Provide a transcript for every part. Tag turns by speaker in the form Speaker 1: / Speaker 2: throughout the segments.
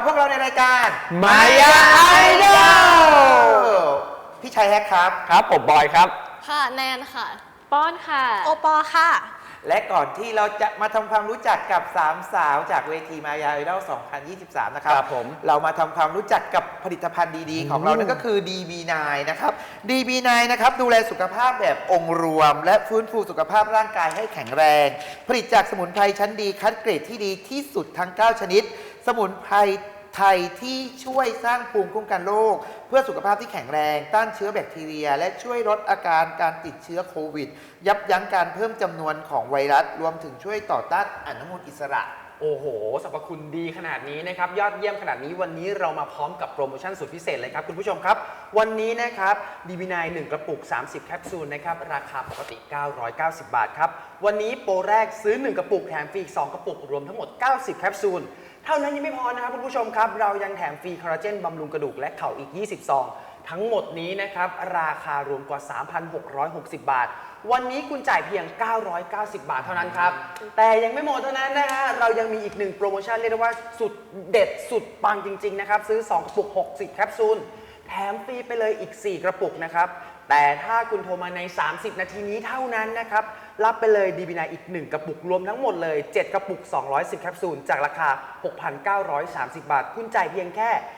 Speaker 1: พวกเราในรายการ
Speaker 2: Maya Idol
Speaker 1: พี่ชัยแฮกครับ
Speaker 2: ครับผมบอยครับ
Speaker 3: ค่ะแนนค่ะ
Speaker 4: ป้อนค่ะ
Speaker 3: โอปอค่ะ
Speaker 1: และก่อนที่เราจะมาทำความรู้จักกับ3 สาวจากเวที Maya Idol 2023 นะครับ
Speaker 2: ครับผม
Speaker 1: เรามาทำความรู้จักกับผลิตภัณฑ์ดีๆ ของเรานั่นก็คือ DB9 นะครับ DB9 นะครับดูแลสุขภาพแบบองค์รวม และฟื้นฟูสุขภาพร่างกายให้แข็งแรง ผลิตจากสมุนไพรชั้นดีคัดเกรดที่ดีที่สุดทั้ง 9 ชนิด สมุนไพรไทยที่ช่วยสร้างภูมิคุ้มกันโรคเพื่อสุขภาพที่แข็งแรงต้านเชื้อแบคทีเรีย และช่วยลดอาการการติดเชื้อโควิด ยับยั้งการเพิ่มจำนวนของไวรัสรวมถึงช่วยต่อต้านอนุมูลอิสระ
Speaker 2: โอ้โหสรรพคุณดีขนาดนี้นะครับยอดเยี่ยมขนาดนี้วันนี้เรามาพร้อมกับโปรโมชั่นสุดพิเศษเลยครับคุณผู้ชมครับวันนี้นะครับ DB9 1 กระปุก 30 แคปซูลนะครับราคาปกติ 990 บาทครับวันนี้โปรแรกซื้อ 1 กระปุกแถมฟรีอีก 2 กระปุกรวมทั้งหมด 90 แคปซูลเท่านั้นยังไม่พอนะครับคุณผู้ชมครับเรายังแถมฟรีคอลลาเจนบำรุงกระดูกและเข่าอีก 20 ซองทั้งหมดนี้นะครับราคารวมกว่า 3,660 บาทวันนี้คุณจ่ายเพียง 990 บาทเท่านั้นครับแต่ยังไม่หมดเท่านั้นนะฮะเรายังมีอีก1โปรโมชั่นเรียกได้ว่าสุดเด็ดสุดปังจริงๆนะครับซื้อ2กระปุก60แคปซูลแถมฟรีไปเลยอีก4กระปุกนะครับแต่ถ้าคุณโทรมาใน30นาทีนี้เท่านั้นนะครับรับไปเลย DB9 อีก1กระปุกรวมทั้งหมดเลย7กระปุก210แคปซูลจากราคา 6,930 บาทคุณจ่ายเพียงแค่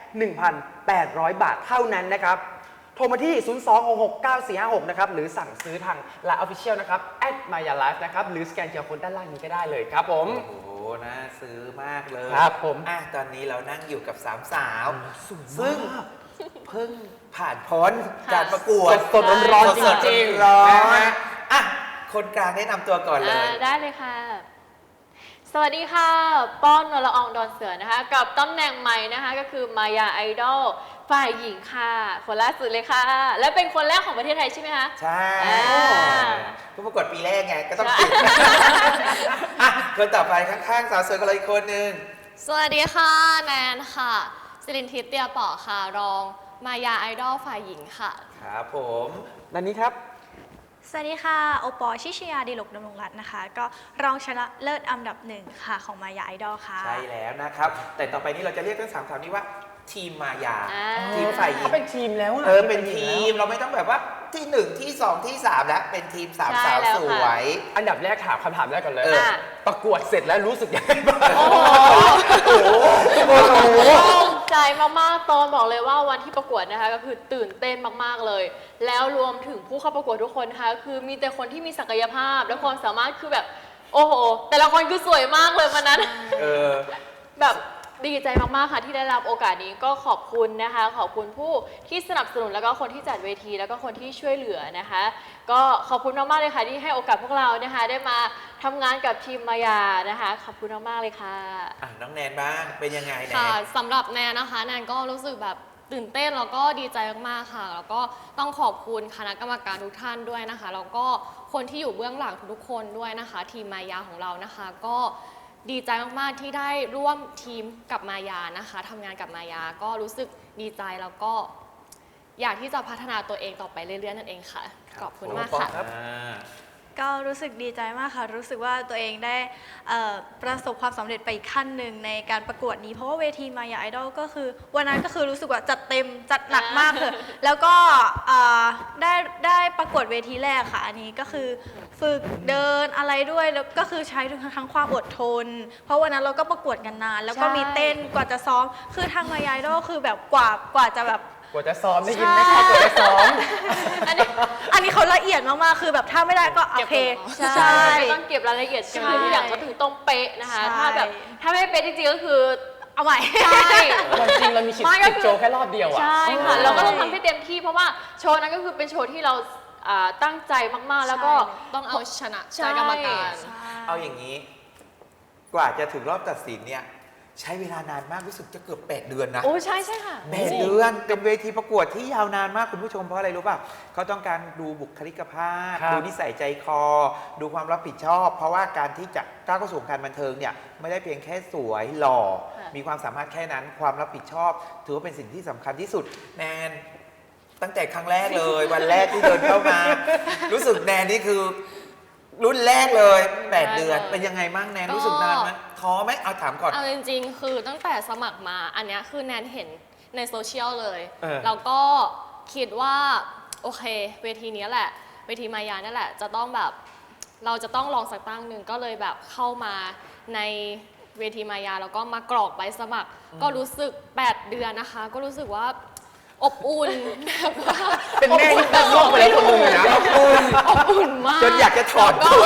Speaker 2: 1,800 บาทเท่านั้นนะครับโทรมาที่ 026694456 นะครับ หรือสั่งซื้อทาง Line Official นะครับ @MayaLife นะครับ หรือสแกน QR Code ด้านล่างนี้ก็ได้เลยครับผม
Speaker 1: โอ้โห น่าซื้อมากเลย
Speaker 2: ครับผม
Speaker 1: ตอนนี้เรานั่งอยู่กับ3 สาว ซึ่งเพิ่งผ่านพ้นการประกวด
Speaker 2: สดๆร้อนๆจริงๆ
Speaker 1: ร้อน
Speaker 2: นะฮะ
Speaker 1: ๆอ่ะ คนกลางแนะนำตัวก่อนเลย
Speaker 4: ได้เลยค่ะ สวัสดีค่ะ ป้อนนรอองดอนเสือนะคะ กับตำแหน่งใหม่นะคะ ก็คือ Maya Idol ฝ่ายหญิงค่ะ คนล่าสุดเลยค่ะ และเป็นคนแรกของประเทศไทยใช่ไหมคะ
Speaker 1: ใช่
Speaker 4: อ่า
Speaker 1: ผู้ประกวดปีแรกไง ก็ต้องติดอ่ะคนต่อไปข้างๆ สาวสวยกันเลยอีกคนนึง
Speaker 3: สวัสดีค่ะแนนค่ะสิรินทิพย์เตียเปาะค่ะรองมายาไอดอลฝ่ายหญิงค่ะ
Speaker 1: ครับผม
Speaker 2: ด้านนี้ครับ
Speaker 5: สวัสดีค่ะโอปอชิชยาดีลกดำรงรัตน์นะคะ ก็รองชนะเลิศอันดับ1ค่ะของมายาไอดอลค่ะ
Speaker 1: ใช่แล้วนะครับ แต่ต่อไปนี้เราจะเรียกทั้ง3 สาวนี้ว่าทีมมายา
Speaker 4: อ่า
Speaker 1: ทีมฝ่ายหญิง
Speaker 2: เป็นทีมแล้วอะ
Speaker 1: เป็นทีมเราไม่ต้องแบบว่าที่1ที่2ที่3แล้วเป็นทีม3
Speaker 4: ใช่
Speaker 1: สาว
Speaker 4: แล้ว
Speaker 1: ส
Speaker 4: ค่ะ
Speaker 1: วย
Speaker 2: อันดับแรกถามคำถามแรกก่อนเลย ประกวดเสร็จแล้วรู้สึกยังไงบ้าง
Speaker 4: โอ้โห
Speaker 2: โอ้โห
Speaker 4: ภูมิใจมากๆตอนบอกเลยว่าวันที่ประกวดนะคะก็คือตื่นเต้นมากๆเลย แล้วรวมถึงผู้เข้าประกวดทุกคนนะคะคือมีแต่คนที่มีศักยภาพและความสามารถคือแบบโอ้โห แต่ละคนคือสวยมากเลยวันนั้น
Speaker 1: เออ
Speaker 4: แบบดีใจมากๆค่ะที่ได้รับโอกาสนี้ก็ขอบคุณนะคะ ขอบคุณผู้ที่สนับสนุนแล้วก็คนที่จัดเวทีแล้วก็คนที่ช่วยเหลือนะคะ ก็ขอบคุณมากๆเลยค่ะที่ให้โอกาสพวกเรานะคะ ได้มาทำงานกับทีมมายานะคะ ขอบคุณมากๆเลยค่ะ
Speaker 1: น้องแนนบ้างเป็นยังไงแน
Speaker 3: ค่ะ
Speaker 1: น
Speaker 3: สำหรับแนนนะคะแนนก็รู้สึกแบบตื่นเต้นแล้วก็ดีใจมากๆค่ะแล้วก็ต้องขอบคุณคณะกรรมการทุกท่านด้วยนะคะแล้วก็คนที่อยู่เบื้องหลังทุกๆคนด้วยนะคะ ทีมมายาของเรานะคะ ก็ดีใจมากๆที่ได้ร่วมทีมกับมายานะคะทำงานกับมายาก็รู้สึกดีใจแล้วก็อยากที่จะพัฒนาตัวเองต่อไปเรื่อยๆนั่นเองค่ะขอบคุณมากค่ะ
Speaker 5: ก็รู้สึกดีใจมากค่ะ รู้สึกว่าตัวเองได้ประสบความสำเร็จไปอีกขั้นหนึ่งในการประกวดนี้ เพราะว่าเวทีมายาไอดอลก็คือวันนั้นก็คือรู้สึกว่าจัดเต็มจัดหนักมากเลยแล้วก็ได้ประกวดเวทีแรกค่ะ อันนี้ก็คือฝึกเดินอะไรด้วยแล้วก็คือใช้ทั้งความอดทน เพราะวันนั้นเราก็ประกวดกันนานแล้วก็มีเต้นกว่าจะซ้อมคือทางมายาไอดอลคือแบบกว่าจะแบบ
Speaker 2: กว่าจะซ้อมได้ยินไหมครับกว่าจะซ้อม
Speaker 5: อันนี้เขาละเอียดมากๆ คือแบบถ้าไม่ได้ก็โอเค
Speaker 4: ใช่ก็ต้องเก็บรายละเอียดคือทุกอย่างก็ถึงต้องเป๊ะนะคะ
Speaker 5: ใช่
Speaker 4: ถ้าไม่เป๊ะจริงๆก็คือ
Speaker 5: เอาใหม่
Speaker 4: ใช่
Speaker 2: วันจริงเรามีชิดโชว์แค่รอบเดียวอ่ะ
Speaker 4: ใช่ค่ะเราก็ต้องทำให้เต็มที่เพราะว่าโชว์นั้นก็คือเป็นโชว์ที่เราตั้งใจมากๆแล้วก็
Speaker 3: ต้องเอาชนะ
Speaker 4: ใช่
Speaker 3: ใจกรรมการ
Speaker 1: เอาอย่างนี้ กว่าจะถึงรอบตัดสินเนี่ยใช้เวลานานมากรู้สึกจะเกือบ8 เดือนนะ
Speaker 4: โอ้ใช่ใช่ค่ะ
Speaker 1: 8 เดือนเป็นเวทีประกวดที่ยาวนานมากคุณผู้ชมเพราะอะไรรู้ป่ะเขาต้องการดูบุคลิกภาพ
Speaker 2: ครับ
Speaker 1: ดูนิสัยใจคอ ดูความรับผิดชอบ เพราะว่าการที่จะก้าวเข้าสู่วงการบันเทิงเนี่ยไม่ได้เพียงแค่สวยหล่อ
Speaker 4: ค่ะ
Speaker 1: มีความสามารถแค่นั้นความรับผิดชอบ ถือว่าเป็นสิ่งที่สำคัญที่สุดแนนตั้งแต่ครั้งแรกเลย วันแรกที่เดินเข้ามา รู้สึกแนนนี่คือรุ่นแรกเลย8 เดือนเป็นยังไงบ้างแนนรู้สึกนานไหมท้ท้อไหมเอาถามก่อน
Speaker 3: เอาจริงๆ คือตั้งแต่สมัครมาอันเนี้ยคือแนนเห็นในโซเชียลเลย แล้วก็คิดว่าโอเคเวทีนี้แหละเวทีมายานี่แหละจะต้องแบบเราจะต้องลองสักตั้งหนึ่งก็เลยแบบเข้ามาในเวทีมายาแล้วก็มากรอกใบสมัคร ก็รู้สึก8 เดือนนะคะ ก็รู้สึกว่าอบอุ่นแบบว่า
Speaker 2: เป็นแม่ที่ตั้งลูกไปแล้วคนหนึงเลยนะ
Speaker 3: อบอุ่นมาก
Speaker 1: จนอยากจะถอดตัว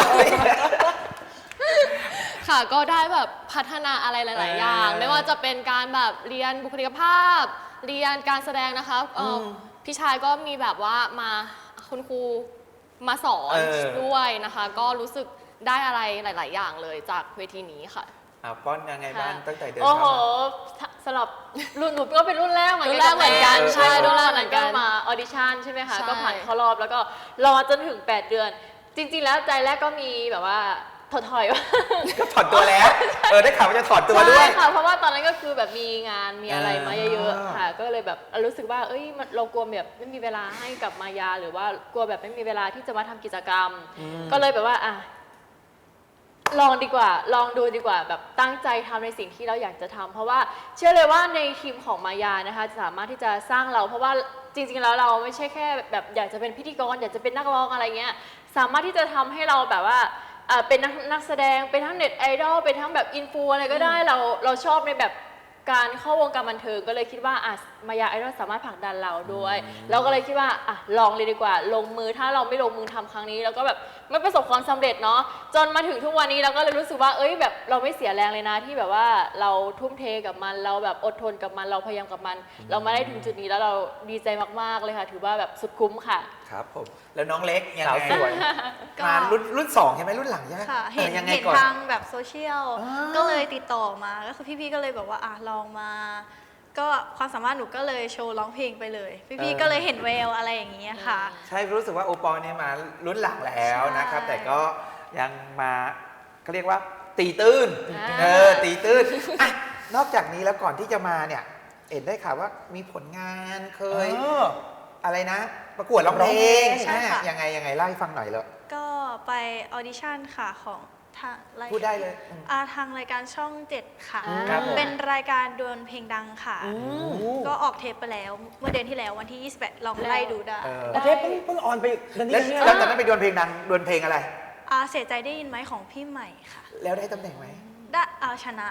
Speaker 3: ค่ะก็ได้แบบพัฒนาอะไรหลาย ๆ อย่าง ไม่ว่าจะเป็นการแบบเรียนบุคลิกภาพ เรียนการแสดงนะคะพี่ชายก็มีแบบว่ามาคุณครูมาสอนด้วยนะคะ ก็รู้สึกได้อะไรหลาย ๆ อย่างเลยจากเวทีนี้ค่ะ
Speaker 1: ป้อนยังไงบ้างตั้งแต่เดิน
Speaker 4: โอ้โห
Speaker 1: เข้ามา
Speaker 4: สำหรับรุ่นหนูก็เป็นรุ่นแรกเหมือน
Speaker 3: รุ่นแรกเหมือนกัน
Speaker 4: บ
Speaker 3: ใช่
Speaker 4: รุ่นแรก
Speaker 3: รุ่นแรกเหมือนกัน
Speaker 4: มาออดิชั่นใช่ไหมคะ
Speaker 3: ใช่
Speaker 4: ก็ผ่านเข้ารอบแล้วก็รอจนถึง 8 เดือน จริง ๆ แล้วใจแรกก็มีแบบว่าถอยๆว่า
Speaker 1: ก็ถอดตัวแล้ว ได้ข่าวว่าจะถอดตัวด้วย
Speaker 4: ใช่ค่ะเพราะว่าตอนนั้นก็คือแบบมีงานมีอะไรมาเยอะๆค่ะ ก็เลยแบบรู้สึกว่าเอ้ยเรากลัวแบบไม่มีเวลาให้กับมายาหรือว่ากลัวแบบไม่มีเวลาที่จะมาทำกิจกรรม ก็เลยแบบว่าลองดีกว่าลองดูดีกว่าแบบตั้งใจทำในสิ่งที่เราอยากจะทำเพราะว่าเชื่อเลยว่าในทีมของมายานะคะจะสามารถที่จะสร้างเรา เพราะว่าจริงๆแล้วเราไม่ใช่แค่แบบอยากจะเป็นพิธีกรอยากจะเป็นนักร้องอะไรเงี้ยสามารถที่จะทำให้เราแบบว่าเป็นนักแสดงเป็นทั้งเน็ตไอดอลเป็นทั้งแบบอินฟูอะไรก็ได้เราชอบในแบบการเข้าวงการบันเทิงก็เลยคิดว่ามายาไอดอลสามารถผลักดันเราด้วยเราก็เลยคิดว่าลองเลยดีกว่าลงมือถ้าเราไม่ลงมือทำครั้งนี้เราก็แบบไม่ประสบความสำเร็จเนาะจนมาถึงทุกวันนี้เราก็เลยรู้สึกว่าเอ้ยแบบเราไม่เสียแรงเลยนะที่แบบว่าเราทุ่มเทกับมันเราแบบอดทนกับมันเราพยายามกับมัน เรามาได้ถึงจุดนี้แล้วเราดีใจมากๆเลยค่ะถือว่าแบบสุดคุ้มค่ะ
Speaker 1: ครับผม แล้วน้องเล็กยัง
Speaker 2: สาว
Speaker 1: ไง
Speaker 2: สวย
Speaker 1: มารุ่นสองใช่ไหมรุ่นหลังใช่ไหม
Speaker 5: ค่ะเห็น
Speaker 1: ยังไง
Speaker 5: เห็น
Speaker 1: ก่อน
Speaker 5: ทางแบบโซเชียล
Speaker 1: อ่า
Speaker 5: ก็เลยติดต่อมาก็คือพี่ๆก็เลยบอกว่าลองมา ก็ความสามารถหนูก็เลยโชว์ร้องเพลงไปเลย พี่ๆก็เลยเห็นแววอะไรอย่างเงี้ยค่ะ
Speaker 1: ใช่รู้สึกว่าโอปอลเนี่ยมารุ่นหลังแล้วนะครับ
Speaker 5: ใช่
Speaker 1: แต่ก็ยังมาเขาเรียกว่าตีตื้น
Speaker 4: อ่า
Speaker 1: ตีตื้นอ่ะนอกจากนี้แล้วก่อนที่จะมาเนี่ยเห็นได้ข่าวว่ามีผลงานเคยอะไรนะ ประกวดร้องเพลง
Speaker 5: ใช่ค่ะ
Speaker 1: ยังไงเล่าให้ฟังหน่อยเลย
Speaker 5: ก็ไปออดิชั่นค่ะของทางราย
Speaker 1: พูดได้เลย
Speaker 5: ทางรายการช่อง 7 ค่ะ
Speaker 1: ครับผม
Speaker 5: เป็นรายการดวลเพลงดังค่ะ ก็ออกเทปไปแล้วเมื่อเดือนที่แล้ววันที่ 28 ลองไล่ดูได้
Speaker 2: ประเทศเพิ่งออนไปเดือนนี้
Speaker 1: แล้ว
Speaker 2: เนี่ย
Speaker 1: แล้วตอนนั้นไปดวลเพลงดังดวลเพลงอะไร
Speaker 5: เสียใจได้ยินไหมของพี่ใหม่ค่ะ
Speaker 1: แล้วได้ตำแหน่งไหม
Speaker 5: ได้ชนะ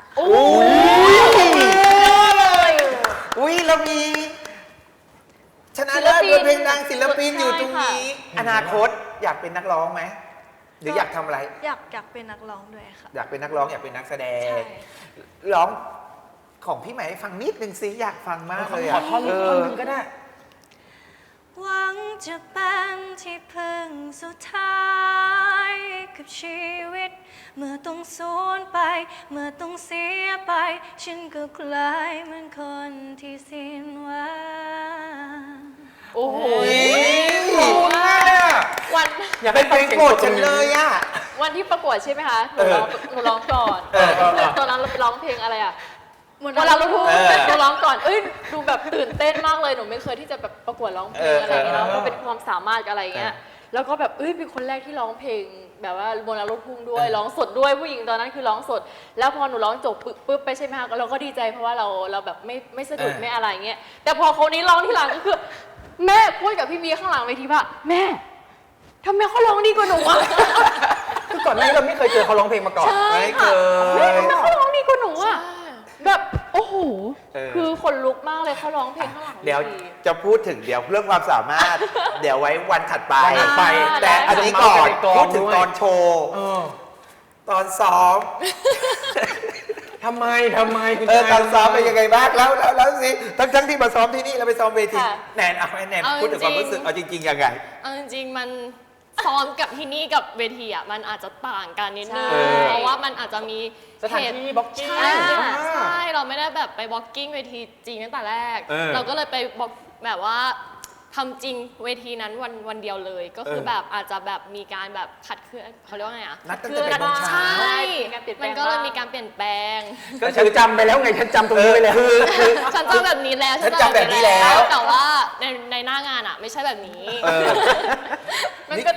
Speaker 1: อุ้ยเรามีชนะเลิศดวลเพลงดังศิลปินอยู่ตรงนี้
Speaker 4: ใช่ค่ะ
Speaker 1: อนาคตอยากเป็นนักร้องไหมหรืออยากทำอะไร
Speaker 5: อยากเป็นนักร้องด้วยค่ะ
Speaker 1: อยากเป็นนักร้องอยากเป็นนักแสด
Speaker 5: ใช่
Speaker 1: งร้องของพี่ใหม่ให้ฟังนิดนึงสิอยากฟังมากเลย
Speaker 2: ขอท่อนนึงก็ได้
Speaker 5: หวังจะเป็นที่พึ่งสุดท้ายกับชีวิต เมื่อต้องสูญไป เมื่อต้องเสียไป ฉันก็กลายเหมือนคนที่สิ้นหวัง
Speaker 4: โอ้โห
Speaker 1: คุณน่ะ
Speaker 4: วัน
Speaker 2: อยาก
Speaker 1: เป็
Speaker 2: ให้
Speaker 1: นเพ
Speaker 2: ฟั
Speaker 1: ล
Speaker 2: ง
Speaker 1: งโปรดฉันเลยอ่ะ
Speaker 4: วันที่ประกวดใช่ไหมคะหนูร้องก่อน
Speaker 1: เออ
Speaker 4: ตอนนั้นเราร้องเพลงอะไรอ่ะวันเราลูกทุ่ง
Speaker 1: เออ
Speaker 4: หนูร้องก่อนดูแบบตื่นเต้นมากเลยหนูไม่เคยที่จะแบบประกวดร้องเพลงอะไรอย่างเงี้ย
Speaker 1: เออ
Speaker 4: แล้วก็เป็นความสามารถอะไรอย่างเงี้ยแล้วก็แบบเป็นคนแรกที่ร้องเพลงแบบว่าโบราณลูกทุ่งด้วยร้องสดด้วยผู้หญิงตอนนั้นคือร้องสด แล้วพอหนูร้องจบปุ๊บไปใช่ไหมคะเราก็ดีใจเพราะว่าเราแบบไม่สะดุดไม่อะไรเงี้ยแต่พอคนนี้ร้องที่หลังก็คือ แม่พูดกับพี่มีข้างหลังเวทีว่าแม่ทำไมเขาร้องดีกว่าหนูอะ
Speaker 2: คือก่อนหน้านี้เราไม่เคยเจอเขาร้องเพลงมาก่อน
Speaker 4: ใช่
Speaker 1: ไม่เค
Speaker 4: ค่ะ
Speaker 1: ย
Speaker 4: แม่ทำไมเขาร้องดีกว่าหนูอะแบบโอ้โห
Speaker 1: เออ
Speaker 4: คือขนลุกมากเลยเขาร้องเพลงข้างหลัง
Speaker 1: เดี๋ยว
Speaker 4: ที
Speaker 1: จะพูดถึงเดี๋ยวเรื่องความสามารถ เดี๋ยวไว้วันถัดไป
Speaker 2: วันถัดไป
Speaker 1: แต่อันนี้ก่อน
Speaker 2: จะเมาส์
Speaker 1: พูดถึง
Speaker 2: ด้วย
Speaker 1: ตอนโชว์ ตอนซ้อม
Speaker 2: ทำไมคุณ
Speaker 1: ตอนซ้อมเป็นยังไงบ้างแล้วสิทั้งที่มาซ้อมที่นี่แล้วไปซ้อมเวทีแนนเอาให้แนนพูดถึงความรู้สึกเอาจริงๆยังไง
Speaker 3: เอาจริงๆมันซ้อมกับที่นี่กับเวทีอ่ะมันอาจจะต่างกันนิดนึง
Speaker 1: ใช่
Speaker 3: เพราะว่ามันอาจจะมี
Speaker 2: สถานที่บล็อกกิ้ง
Speaker 3: ใช่ใช่เราไม่ได้แบบไปบล็อกกิ้งเวทีจริงตั้งแต่แรก เราก็เลยไปบอกแบบว่าทำจริงเวทีนั้นวันเดียวเลย ก็คือแบบอาจจะแบบมีการแบบขัดเคลื่อนเขาเรียกว่าไงอ่ะ
Speaker 1: นัดตั้งแต่8 โมงเช้า
Speaker 3: ใช่
Speaker 4: มีการเปลี่ยนแปล
Speaker 3: มั
Speaker 4: ง
Speaker 3: นก็เลย
Speaker 4: บ้าง
Speaker 3: มีการเปลี่ยนแปลง
Speaker 2: ก็ฉันจำไปแล้วไงฉันจำตรงนี้ไปแล้ว
Speaker 3: ฉันจำแบบนี้แล้ว
Speaker 1: ฉันจำแบบนี้แล้ว
Speaker 3: แต่ว่าในหน้างานอ่ะ ไม่ใช่แบบนี้
Speaker 1: เออ
Speaker 4: มันก็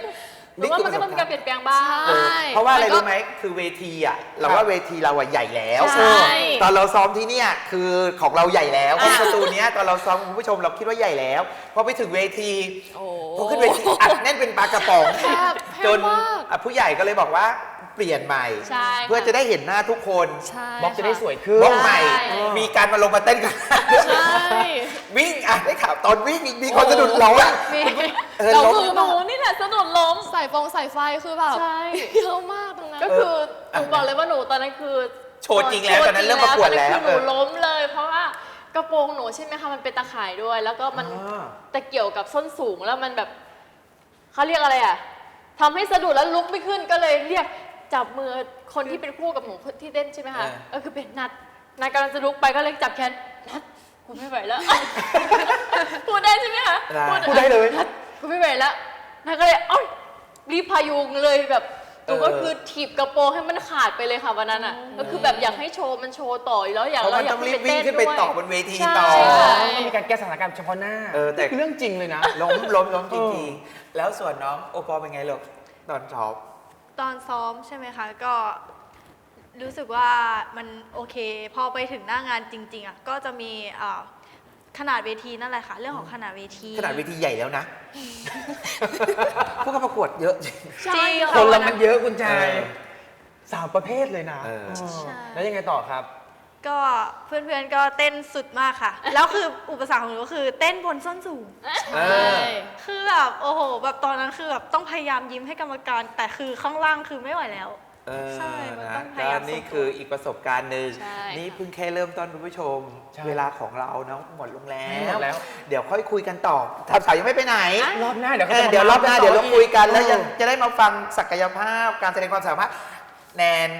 Speaker 4: หรือว่ามันก็ต้องมีการเปลี่ยนแปลงบ้าง
Speaker 3: ใช่
Speaker 1: เพราะว่าอะไร
Speaker 3: มันก็
Speaker 1: รู้ไหมคือเวทีอ่ะเราว่าเวทีเราอ่ะใหญ่แล้ว
Speaker 3: ใช่
Speaker 1: ตอนเราซ้อมที่เนี่ยคือของเราใหญ่แล้วเพราะสตูเนี้ยตอนเราซ้อมคุณผู้ชมเราคิดว่าใหญ่แล้วพอไปถึงเวที
Speaker 3: โอ้
Speaker 1: พอขึ้นเวทีอัดแน่นเป็นปลากระป๋อง
Speaker 3: แคบ
Speaker 1: จน
Speaker 3: มาก
Speaker 1: ผู้ใหญ่ก็เลยบอกว่าเปลี่ยนใหม่
Speaker 4: ใช่
Speaker 1: เพื่อจะได้เห็นหน้าทุกคน
Speaker 3: ใช่
Speaker 2: บล็อกจะได้
Speaker 3: ค่
Speaker 2: สวยขึ้น
Speaker 1: บล็อกใหม่
Speaker 4: ใช่
Speaker 1: มีการมาลงมาเต้นกัน
Speaker 3: ใช่
Speaker 1: วิ่งอ่ะได้ข่าวตอนวิ่งมีคนสะดุดล้ม
Speaker 4: มี
Speaker 1: เรา
Speaker 3: เรา
Speaker 1: ล้ม
Speaker 3: คือ
Speaker 4: หนูนี่แหละสะดุดล้ม
Speaker 3: สายไฟคือแบบ
Speaker 4: ใช่
Speaker 3: เยอะมากตรงนั้น
Speaker 4: ก็คือหนูบอกเลยว่าหนูตอนนั้นคือ
Speaker 1: โชว์จริงแล้วตอนนั้นเริ่มประกวดแล้ว
Speaker 4: ตอนนั้นคือหนูล้มเลย เพราะว่ากระโปรงหนูใช่ไหมคะมันเป็นตะข่ายด้วย แล้วก็มันตะเกี่ยวกับส้นสูงแล้วมันแบบเขาเรียกอะไรอ่ะทำให้สะดุดแล้วลุกไม่ขึ้นก็เลยเรียกจับมือคนที่เป็นคู่กับหนูที่เต้นใช่ไหมคะก็คือเป็นนัดกำลังจะลุกไปก็เลยจับแขนนัดกูไม่ไหวแล้ว พูดได้ใช่ไหมคะ
Speaker 2: พูดได้เลย
Speaker 4: กูไม่ไหวแล้วนัดก็เลยเอ้ยรีบพายุงเลยแบบหนูก็คือถีบกระโปรงให้มันขาดไปเลยค่ะวันนั้นอ่ะก็คือแบบอยากให้โชว์มันโชว์ต่ออยู่แล้วอยาก
Speaker 1: เพราะ
Speaker 4: เรา
Speaker 1: มัน
Speaker 4: อยา
Speaker 1: ต้
Speaker 4: ก
Speaker 1: องรีบวิ่งขึ้นไปต่อบนเวที
Speaker 4: ใช่
Speaker 1: ต่อ
Speaker 2: ต้องมีการแก้สถานการณ์เฉพาะหน้า
Speaker 1: แต่
Speaker 2: นี่คือเรื่องจริงเลยนะ
Speaker 1: ล้มจริงๆแล้วส่วนน้องโอปอลเป็นไงลูกตอนซ้อม
Speaker 5: ตอนซ้อมใช่ไหมคะ ก็รู้สึกว่ามันโอเค พอไปถึงหน้างานจริงๆอ่ะก็จะมีขนาดเวทีนั่นแหละค่ะ เรื่องของขนาดเวที
Speaker 1: ขนาดเวทีใหญ่แล้วนะ พวกเขาประกวดเยอะจริง
Speaker 5: จริง
Speaker 2: คนเรา
Speaker 5: ะ
Speaker 2: มันเยอะคุณชาย
Speaker 1: เออ
Speaker 2: สามประเภทเลยนะ
Speaker 1: เออ
Speaker 2: เออ
Speaker 5: ใช่
Speaker 2: แล้วยังไงต่อครับ
Speaker 5: ก็เพื่อนๆก็เต้นสุดมากค่ะ แล้วคืออุปสรรคของหนูก็คือเต้นบนส้นสูง
Speaker 1: เออ
Speaker 5: คือแบบโอ้โหแบบตอนนั้นคือแบบต้องพยายามยิ้มให้กรรมการ แต่คือข้างล่างคือไม่ไหวแล้ว ใช่มัน
Speaker 1: นะ
Speaker 5: ต้องพ
Speaker 1: ก็
Speaker 5: ยายาม
Speaker 1: นี่
Speaker 5: ส่งตัว
Speaker 1: คืออีกประสบการณ์หนึ่ง
Speaker 4: ใช่
Speaker 1: นี่เพิ่งแค่เริ่มต้นคุณผู้ชม
Speaker 2: ใช่
Speaker 1: เวลาของเราเนาะหมดลงแล้
Speaker 2: หมดแล้ว
Speaker 1: เดี๋ยวค่อยคุยกันต่อทำสายยังไม่ไปไหน
Speaker 2: รอบหน้าเดี๋ยวเขา
Speaker 1: เออ
Speaker 2: จะ
Speaker 1: เดี๋ยวรอบหน้าเดี๋ยวเราคุยกันแล้วยัง
Speaker 2: เออ
Speaker 1: จะได้มาฟังศักยภาพการแสดงความสามารถแนน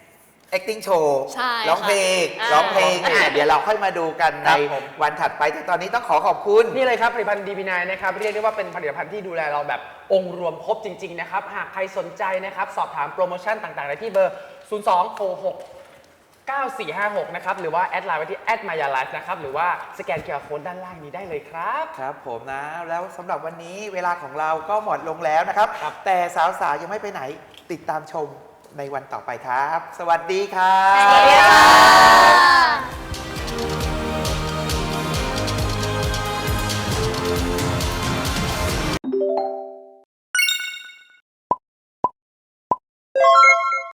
Speaker 1: acting show
Speaker 3: ใช่
Speaker 1: ร้องเพลง
Speaker 4: ค่ะ
Speaker 1: ร้องเพลงเดี๋ยวเราค่อยมาดูกัน
Speaker 2: ค
Speaker 1: ใน
Speaker 2: รับผม
Speaker 1: วันถัดไปแต่ตอนนี้ต้องขอบคุณ
Speaker 2: นี่เลยครับผลิตภัณฑ์ DB9 นะครับเรียกได้ว่าเป็นผลิตภัณฑ์ที่ดูแลเราแบบองค์รวมครบจริง ๆ นะครับ หากใครสนใจนะครับ สอบถามโปรโมชั่นต่างๆได้ที่เบอร์ 02669456 นะครับ หรือว่าแอดไลน์ไว้ที่ @maya_life นะครับ หรือว่าสแกน QR Code ด้านล่างนี้ได้เลยครับ
Speaker 1: ครับผมนะ แล้วสำหรับวันนี้เวลาของเราก็หมดลงแล้วนะครับ
Speaker 2: ครับ
Speaker 1: แต่สาวๆยังไม่ไปไหนติดตามชมในวันต่อไปครับ สวัสดีครับ
Speaker 4: สวัสดีค่ะ